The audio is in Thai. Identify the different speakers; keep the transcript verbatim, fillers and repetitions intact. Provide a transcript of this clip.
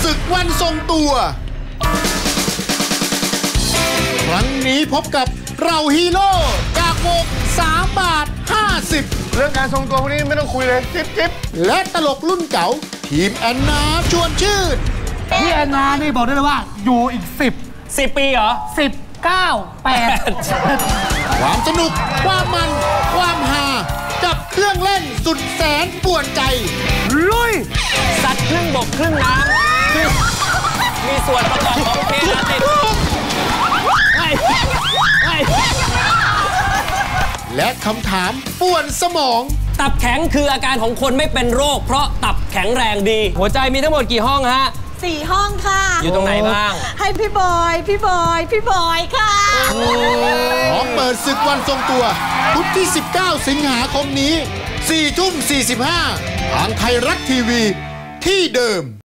Speaker 1: ศึกวันทรงตัวครั้งนี้พบกับเราฮีโร่จากวงสามบาทห้าสิบ
Speaker 2: เรื่องการทรงตัวพวกนี้ไม่ต้องคุยเลยจิ๊บจิ๊บ
Speaker 1: และตลกรุ่นเก่าทีมแอนนาชวนชื่น
Speaker 3: พี่แอนนานี่บอกได้เลยว่าอยู่อีกสิบ
Speaker 4: สิบปีเหรอ
Speaker 3: สิบเก้าแปด
Speaker 1: ความสนุกความมันความฮากับเครื่องเล่นสุดแสนป่วนใจ
Speaker 3: ลุย
Speaker 4: สัตว์ครึ่งบกครึ่งน้ำมีส่วนประกอบของเพลงติด
Speaker 1: และคำถามป่วนสมอง
Speaker 4: ตับแข็งคืออาการของคนไม่เป็นโรคเพราะตับแข็งแรงดีหัวใจมีทั้งหมดกี่ห้องฮะ
Speaker 5: สี่ห้องค่ะ
Speaker 4: อยู่ตรงไหนบ้าง
Speaker 5: ให้พี่บอยพี่บอยพี่บอยค่ะ
Speaker 1: พร้อมเปิดศึกวันทรงตัวพุธที่สิบเก้าสิงหาคมนี้สี่ทุ่มสี่สิบห้าทางไทยรัฐทีวีที่เดิม